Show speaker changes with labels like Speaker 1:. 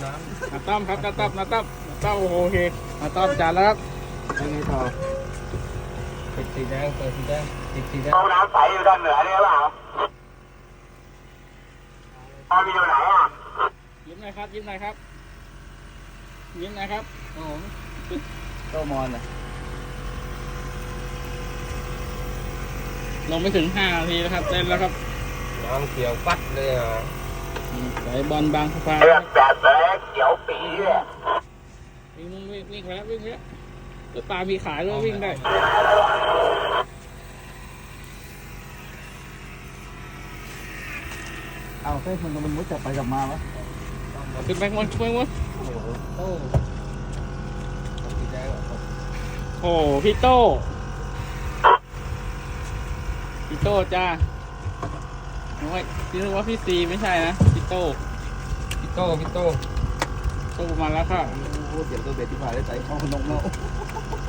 Speaker 1: น้
Speaker 2: นาต้อมครับนาต้อมโอเคนาต้อมจานแล้วครับ
Speaker 1: ำยังไงต่อปิดสีแดงเปิดสีแดงปิดสีแดง
Speaker 3: ห้องน้ำใสอยู่ด้านเหนือนี่หรือเปล่าห้องมีอยู่ไหนอ่ะ
Speaker 2: ยิ้มหน่อยครับยิ้มหน่อยครับยิ้มหน่อยครับโอ้โห
Speaker 1: โตมอนอ่ะ
Speaker 2: ลงไม่ถึง5 นาทีแล้วครับเต้นแล้วครับ
Speaker 1: น้ำเขียวปัดเลยอ่ะ
Speaker 2: ไหลบอลบางสะพาน
Speaker 3: เลือกแบบเล็กเขียวปีเลย
Speaker 2: วิ่งไปแล้วแล้วปลามีขายด้วยวิ่งได้
Speaker 1: เอาเส้นมันมุดจับไปจับมาวะ
Speaker 2: ขึ้นไปหมด
Speaker 1: โอ้โหโต้สีแดงอ่ะ
Speaker 2: โอ้พี่โต้จ้าโอ้ยพี่นึกว่าพี่ซีไม่ใช่นะพี่โต้
Speaker 1: พี่โต้
Speaker 2: โต้มาแล้วค่ะ
Speaker 1: โอ้โหเดี๋ยวตัวเบ็ดที่ผ่านได้ใจช่องนกเนาะ